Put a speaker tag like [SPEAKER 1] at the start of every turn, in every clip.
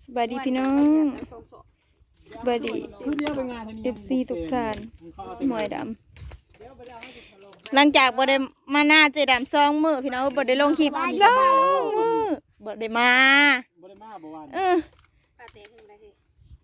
[SPEAKER 1] สบายดีพี่น้องสบายดี FC ทุกท่านหมวยดำหลังจากบ่ได้มาหน้าเจดำ2 มื้อพี่น้องบ่ได้ลงคลิป2 มื้อบ่ได้มา
[SPEAKER 2] บ่วัน
[SPEAKER 3] ปลาเตะขึ้นไปสิ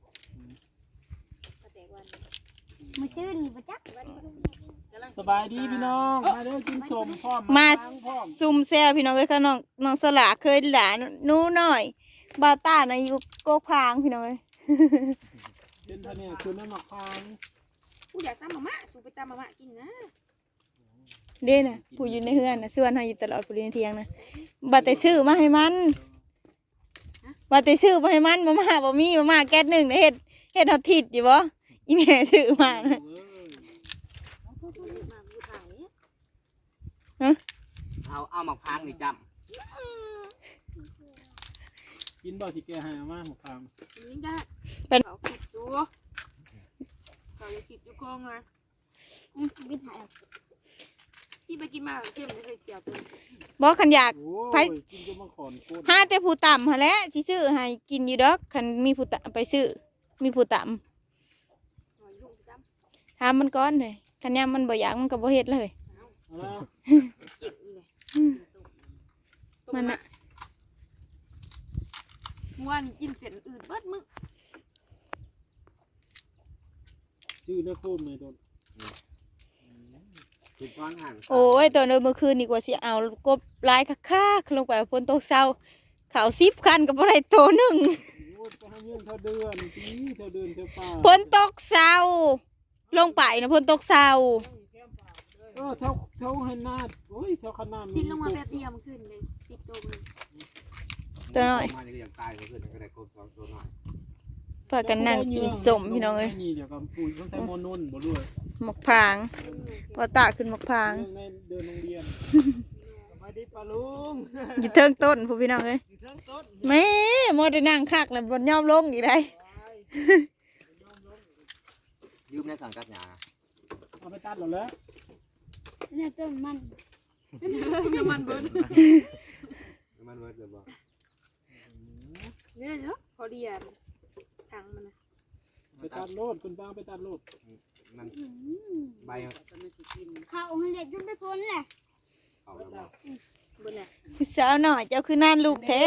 [SPEAKER 3] ปลาเตะวันมื้อชื่นบ่จัก
[SPEAKER 2] สบายดีพี่น้องมาเด้อกินสมพร้อม
[SPEAKER 1] มาซุ่มแซวพี่น้องเอ้ยค่ะน้องสลาเคยหลานหนูน้อยบาต้านะอยู่โกกพางพี่น้องเอ้ย
[SPEAKER 2] เป็นท่านี่คือน้ำหมักพาง
[SPEAKER 3] กูอยากตำมะม่าสูไปตำมะม่ากินนะ
[SPEAKER 1] เด้น่ะผู้อยู่ในเฮือนน่ะส่วนเฮาอยู่ตลอดผู้เรียนเที่ยงนะบ่แต่ซื้อมาให้มันบ่แต่ซื้อมาให้มันมาม่าบ่มีมาม่าแก๊ส1เฮ็ดเฮาทิดอยู่บ่อีแม่ซื้อมานะ
[SPEAKER 4] เอาหมักพางนี่จำ
[SPEAKER 2] กินบ่สิแกให้อามาหมักพาง
[SPEAKER 3] นี่ได้เป็นเขาคิดซัวเขาจะคิดอยู่คงอ่ะกินหายที่ไปกินมาเข้มไม่เคยเกี่ยวเลย
[SPEAKER 1] บ่คันอยาก
[SPEAKER 2] ไผกินจนมาขอนโคตร
[SPEAKER 1] หาแต่ผู้ต่ำหั่นแหละสิซื้อให้กินอยู่ดอกคันมีผู้ไปซื้อมีผู้ต่ำถามมันก่อนเลยคันยามมันบ่อยากมันก็บ่เฮ็ดเลยมันน่ะ
[SPEAKER 3] ว่านี่กินเสร็จอื่นเบิดมึก
[SPEAKER 2] ชื่อเนื้อโคมเลยโดน
[SPEAKER 4] ถูกต้องหัน
[SPEAKER 1] โอ้ยตอนเมื่อคืนนี่กว่าสิเอากบลายคักๆลงไปฝนตกเช้าเขา10 คันก็บ่ได้โตนึงฝนตกเช้าลงไปนะฝนตกเช้า
[SPEAKER 2] เท่าให้นาดโอ้ยเท่าขนาด
[SPEAKER 3] ทิ้งลงมาแบบเดียวมันขึ้นเลย10 ตัวเลย
[SPEAKER 1] ตัวน้อยพากันนั่งกินสมพี่น้องเอ้ย
[SPEAKER 2] เดี๋ยวกับปุ๋ยต้องใช้โมนุ่นบ่ด้วย
[SPEAKER 1] หมกพางพอตาขึ้นหมกพาง
[SPEAKER 2] เดินโรงเรียนสบายดีป้าลุง
[SPEAKER 1] อยู่เทิงต้นพี่น้องเอ้ยแม่โมได้นั่งคักแล้วบนย่อมลงอีกได้
[SPEAKER 4] ยืมในสังกัดหยา
[SPEAKER 2] เอาไปตัดหรอแล้ว
[SPEAKER 3] เนี่ยต้นมันมันเบิร์ด
[SPEAKER 4] มันเวิร์ดเลยบ่
[SPEAKER 3] เนี่ยเนาะพอดีอ่ะทางมันนะ
[SPEAKER 2] ไปตัดโลดคุณป้าไปตัดโลด
[SPEAKER 4] มันใบ
[SPEAKER 3] ข้าวมันเล็กจนไปพ้นแหละ
[SPEAKER 4] เอาแล้วบ่
[SPEAKER 3] บนแหละ
[SPEAKER 1] พี่สาวหน่อยเจ้าคือนั่นลูกแท้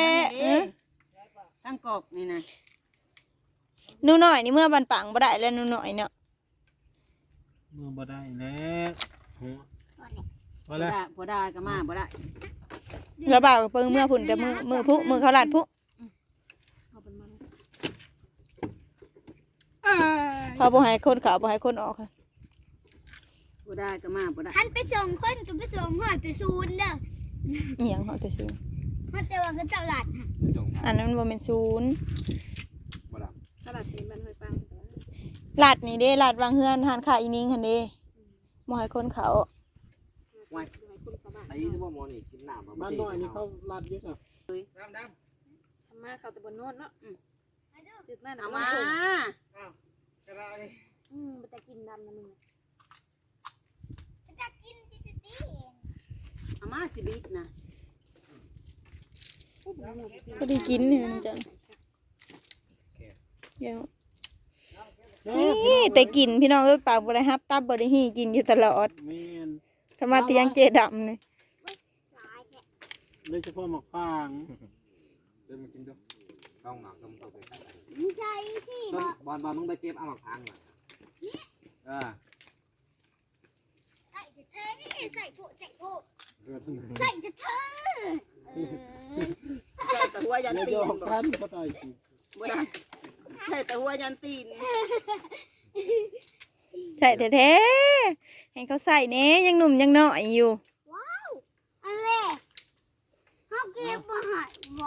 [SPEAKER 5] ตั้งกอกนี่นะ
[SPEAKER 1] หนูหน่อยนี่เมื่อบันปังบ่ได้แล้วหนูหน่อยเนาะ
[SPEAKER 2] เมื่อบ่ได้แล้ว
[SPEAKER 5] บ่ได้บ่ได้ก็มาบ่ได้
[SPEAKER 1] แล้วบ่าวเพิ่งเมื่อพุ่นแต่มือพุมือเขาลาดพุพอบ่ให้คนเขาบ่ให้คนออกค่ะ
[SPEAKER 5] บ่ได้ก็มาบ่ได้
[SPEAKER 3] ท่านไปส่งคนกับไปส่งหอดแต่ซูนเด้อ
[SPEAKER 1] อีหยังเขาแต่ซูน
[SPEAKER 3] หอดแต่ว่าก็เจ้าหลาด
[SPEAKER 1] อันนั้นมันบ่แม่นซูน
[SPEAKER 4] บ่ล่ะ
[SPEAKER 3] ตลาดเป็นบ้านห้วยฟาง
[SPEAKER 1] ลาดนี่เด้ลาดวางเฮือนหานขาอีนิงหั่นเด้บ่ให้คนเขา
[SPEAKER 4] ไว้ไอ้ที่ว่าหมอนี่กินน้ำ
[SPEAKER 2] บ้านน้อยนี่เขาลาดเยอะอ่ะ
[SPEAKER 3] ดำทำมาเขาแต่บนโน้นเนาะตื่นมา
[SPEAKER 5] เอามา
[SPEAKER 3] จะกินดำนะมึงจะกิน
[SPEAKER 5] เอามาสิบิดนะ
[SPEAKER 1] ก็ได้กินเนี่ยนะจ๊ะเดี๋ยวนี่แต่กินพี่น้องเอ้ยปากบ่ได้ฮับตับบ่ได้หีกินอยู่ตลอดทำมาเตียงเจดำนี่
[SPEAKER 2] โดยเฉพาะหมกฟาง
[SPEAKER 4] เดินมากินดูต้องหมักต้องเข้าไป
[SPEAKER 3] ไม่ใช่ที่
[SPEAKER 4] บอลมึงไปเก็บเอาหมักพางหน่อย
[SPEAKER 3] ใส่ผู้ใส่จะเธอใส่
[SPEAKER 5] แต่หัวยันตีน
[SPEAKER 2] ท่านก็ตายสิ
[SPEAKER 5] บ่ได้ใช่แต่หัวยันตีน
[SPEAKER 1] ใช่แท้ๆให้เขาใส่เน่ยังหนุ่มยังน้อยอยู่
[SPEAKER 3] ว้าวอะไรเขาเก็บมาหายบ่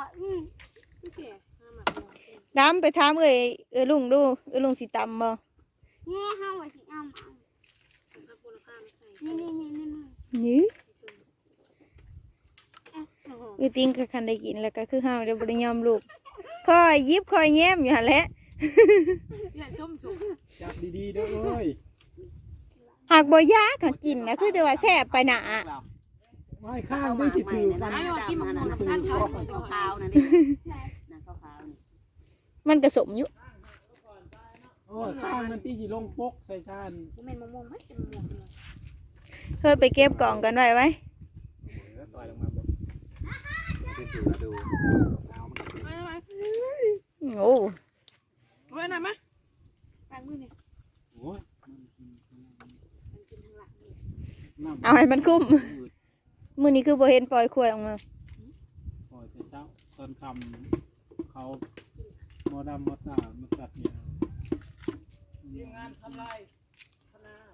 [SPEAKER 1] ดำไปถามลุงดูลุงสิตำบ่
[SPEAKER 3] เนี่ยเขาว่าสิเอา
[SPEAKER 1] นี่ติ้งก็คันได้กินแล้วก็คือห้าวเดี๋ยวบริยอมลูกคอยยิบคอยแย้มอยู่หั่นแหละ
[SPEAKER 2] จับดีๆด้วย
[SPEAKER 1] หากบ่ยากกินนะคือแต่ว่าแซ่บไปหนา
[SPEAKER 2] ไม่ข้างไม่สิถือ
[SPEAKER 5] กันกินมันขาวๆนั่นดินั่นขาวๆนี่
[SPEAKER 1] มันกระสมอยู่
[SPEAKER 2] โอ้ข้างมันตีสิลงปกใส่ชาน
[SPEAKER 3] บ่แม่นมะม่วงไหมเป็นมะม่วงเลย
[SPEAKER 1] เฮ้ยไปเก็บกล่องกันไว้ไว้
[SPEAKER 4] ต่อยลงมาแบบที่สูดูเอามัน
[SPEAKER 3] ไปไป
[SPEAKER 1] โอ้
[SPEAKER 3] ไว้น่ะมาล้างมือนี่
[SPEAKER 2] โอ้ย
[SPEAKER 3] มันกินทางหลังนี่
[SPEAKER 2] น้ำ
[SPEAKER 1] เอาให้มันคุ้มมื้อนี้คือบ่เห็นปล่อยขวดออกมา
[SPEAKER 2] ปล่อยแต่เช้าตอนค่ำเขาหมอดำหมอตามาตัดเนี่ยทีมงานทำลายคณะ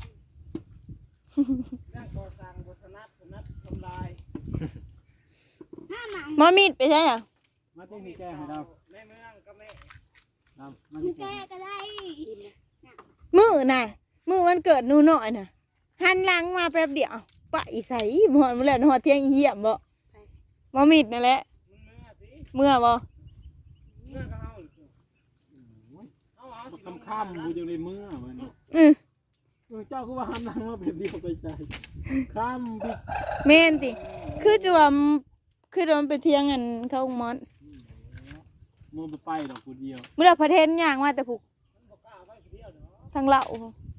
[SPEAKER 2] นักก่อสร้างบทนัดทำลาย
[SPEAKER 1] หมอมีดไปใช่อ่ะ
[SPEAKER 2] มาที่นี่แก้ให้เราแม่เมืองก็แม่ดำมาที่แก้
[SPEAKER 3] กินเลย
[SPEAKER 1] มื้อน่ะมื้อวันเกิดหนูน้อยน่ะหันหลังมาแป๊บเดียวปะอีใสบ่ฮอดมื้อแล้วฮอดเที่ยงอีเหี้ยมบ่หมอมีดนั่นแหละเมื่อบ่
[SPEAKER 2] ค่ำๆกูจะในเมื่อมัน
[SPEAKER 1] อือ
[SPEAKER 2] เจ้าคือว่าหันหลังมาเป็นเดียวไปใจค่ำพี่
[SPEAKER 1] แม่นติคือจะว่าคือมันไปเที่ยงกันเข้ามอน
[SPEAKER 2] โมไปดอกกูเดียว
[SPEAKER 1] มื้อละประเทศย่างมาแต่ผูกทางเหล้า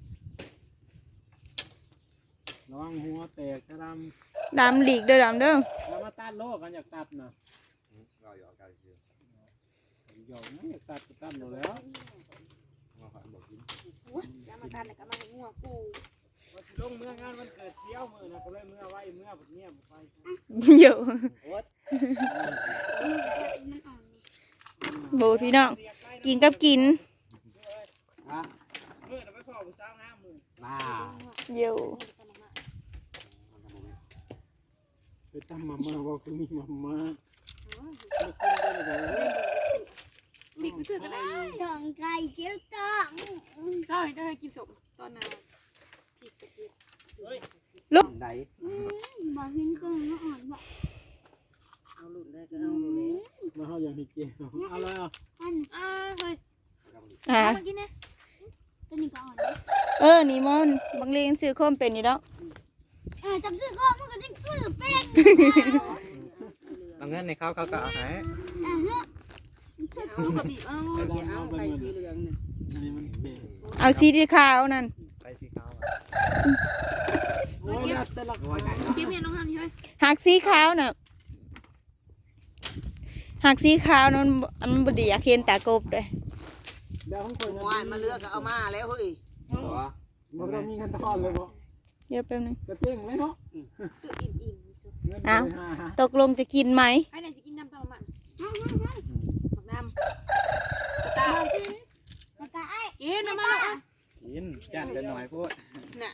[SPEAKER 2] ระวังหัวแตกกระด
[SPEAKER 1] ดำหลีกเด้อดำเด้อ
[SPEAKER 2] ำแล้วมาตัดโลกกันอยากตัดนะ
[SPEAKER 4] เราอยู่อาการเชื่อ
[SPEAKER 2] หยอกนะอยากตัดก็ตัดหมดแล้ว
[SPEAKER 4] มาขอบอกกิน
[SPEAKER 3] โอ้ยแล้วมาทานแต่ก็มาให้งัวกู
[SPEAKER 2] ลงเมื่องานวันเกิดเที่ยวมือนะก็เลยเมื่อไว้เมื่อแบบเนี้ยไป
[SPEAKER 1] อยู่
[SPEAKER 4] โอ๊ต
[SPEAKER 1] โบพี่น้องกินกับกิน
[SPEAKER 4] ฮะ
[SPEAKER 2] เมื่อเราไปพ่อผู้สาวงามมือ
[SPEAKER 4] น่า
[SPEAKER 1] อยู่
[SPEAKER 2] ไปทำมาเมื่อว่าคือมีมาม่า
[SPEAKER 3] บิ๊กไปซื้อก็ได้
[SPEAKER 6] ตองไก่เจียวตอง
[SPEAKER 3] ได้ให้กินสมตอนนาผิดกับผิด
[SPEAKER 4] ไหน
[SPEAKER 6] บอกเห็นเครื่องแล้วอ่อนบอก
[SPEAKER 5] เอาหลุดได้ก็เอาหลุดแล้ว
[SPEAKER 2] มาเขาอย่างที่เกี่ยวเอาเลยอ่ะ
[SPEAKER 6] อัน
[SPEAKER 3] เฮ้ย
[SPEAKER 1] อ่า
[SPEAKER 3] มากินเนี่ย
[SPEAKER 6] ตัวนี้ก็อ่อน
[SPEAKER 1] นี่มอนบางเรียนซื้อข้อมเป็นอยู่แล้ว
[SPEAKER 6] จำซื้อก็มันก็จะซื้อเป็น
[SPEAKER 4] เอาเงินในเขาก็เอาให้
[SPEAKER 6] เฮ้ย
[SPEAKER 3] เอากระบี่เอา
[SPEAKER 2] ไอ้
[SPEAKER 5] อย่า
[SPEAKER 2] ดำ
[SPEAKER 5] เอา
[SPEAKER 2] เอาไป
[SPEAKER 5] ไป
[SPEAKER 2] หมด
[SPEAKER 5] สีเหลืองนี่
[SPEAKER 2] อันนี้มันเด็ก
[SPEAKER 1] เอาสีขาวนั่น
[SPEAKER 4] ไปสีขาว
[SPEAKER 2] โอ้ยแต่ละคน
[SPEAKER 3] เก็บเมียน้องฮันนี่เฮ้ย
[SPEAKER 1] หักสีขาวน่ะหักสีขาวนั่นมันบ่ดีอยากเห็นตากบด้วย
[SPEAKER 2] เดี๋ยวของคน
[SPEAKER 5] หวานมาเลือกก็เอามาแล้วเฮ้ย
[SPEAKER 2] มันเรามีกันทอนเลยบ่
[SPEAKER 1] เดี๋ยวแป๊บนึง
[SPEAKER 2] กระเต้งเลยเนาะ
[SPEAKER 3] ซื้ออิ่มๆอยู่ซุ
[SPEAKER 2] เงินไปหา
[SPEAKER 1] ตกลงจะกินไหม
[SPEAKER 3] ให้ไหนจะกินน้ำตาลมันหมักน้ำตา
[SPEAKER 6] แล้วก็ไอ้
[SPEAKER 3] กินน้ำมันอ่ะ
[SPEAKER 4] กินจัดเป็นหน่อยพูด
[SPEAKER 3] น่ะ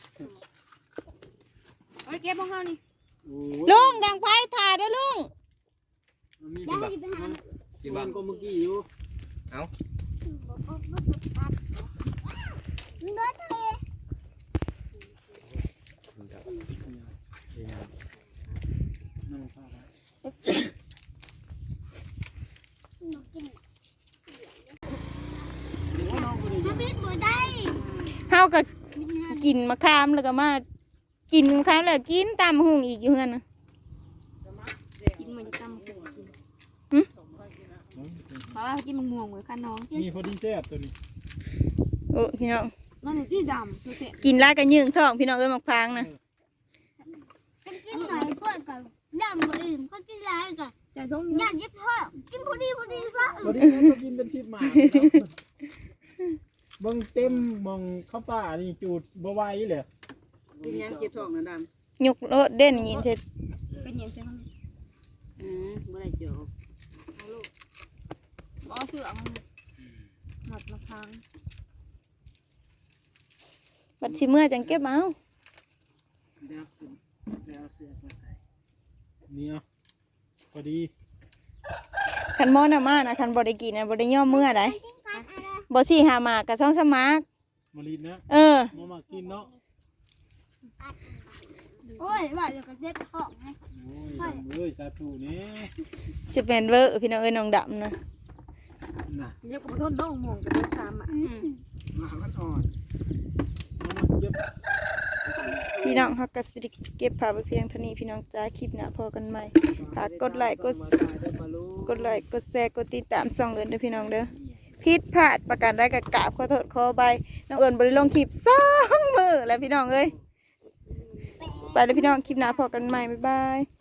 [SPEAKER 3] เอาไปเก็บของเขานี่
[SPEAKER 1] ลุงดังไฟถ่ายเด้อลุง
[SPEAKER 2] มี
[SPEAKER 6] ได้ไปหา
[SPEAKER 2] กินบ้างก็เมื่อกี้อยู่
[SPEAKER 6] เนื้อทะเล
[SPEAKER 2] นั่งข้าว
[SPEAKER 6] ถ้าพิษบัวได้
[SPEAKER 1] เฮาก็กินมะขามแล้วก็มากินมะขามแล้วกินตามหุงอีกอยู่เฮือนน่ะ
[SPEAKER 3] กินมันจะตั้มกินเพราะว่ากินมะม่วงเหมือนกันน้อง
[SPEAKER 2] มีพอดีแซ่บตัวนี้
[SPEAKER 1] โอ้พี่น้อง
[SPEAKER 3] นั่นนี่ที่ดำดูสิ
[SPEAKER 1] กินลายกันยืงท้องพี่น้องเอ้ยมักพร้างนะ
[SPEAKER 6] กันกินหน่อยพวกก่อนย่างคนอื่นก็กินร้ายก่อน
[SPEAKER 3] จะต้อง
[SPEAKER 6] ย่างเย็บพ่อกินพอดีซะ
[SPEAKER 2] พอดีก็กินเป็นชิปหมาบังเต็มมองข้าวป่านี่จูดบวายเลย
[SPEAKER 5] กินยังเก็บท้องนะด
[SPEAKER 1] ยกรถเด่นยินเสร็จ
[SPEAKER 3] เป็นยังไงบ้าง
[SPEAKER 5] ำบ่ได้เจอ
[SPEAKER 3] อ๋อเสือมันหมัดมาค้าง
[SPEAKER 1] บัดสิเมื่อจังเก็บเอา
[SPEAKER 2] เดี๋ยวเอาเสื้อมาใส่นี่อ่ะพอดี
[SPEAKER 1] คันมอน่ะมานะคันบ่ได้กินน่ะบ่ได้ย่อมเมื่อใดบ่สิหาหมากกับ2 3หมาก
[SPEAKER 2] มาลีนนะ
[SPEAKER 1] เออ
[SPEAKER 2] มากินเนาะ
[SPEAKER 6] โอ้ยว่าเดี๋ยวก็เจ็บท้องไง
[SPEAKER 2] โอ้ยเอ้ยสาธุนี่
[SPEAKER 1] จะเป็นเวอร์พี่น้องเอ้ยน้องดำนะ
[SPEAKER 2] น่ะ
[SPEAKER 3] เรียกว่าต้นน้องม่วงกับต้นตามอ่ะ
[SPEAKER 2] มามันอ่อนมาเก็บ
[SPEAKER 1] พี่น้องฮักก็สิได้เก็บภาพไว้เพียงเท่านี้พี่น้องจ้าคลิปหน้าพอกันใหม่ฝากกดไลค์กดแชร์กดติดตามช่องเอิ้นเด้อพี่น้องเด้อ
[SPEAKER 2] เนี่ย
[SPEAKER 1] ผิดพลาดประการใดก็กราบขอโทษขอไปน้องเอิญบ่ได้ลงคลิป2 มื้อแล้วพี่น้องเอ้ยไปเลยพี่น้องคลิปหน้าพบกันใหม่บ๊ายบาย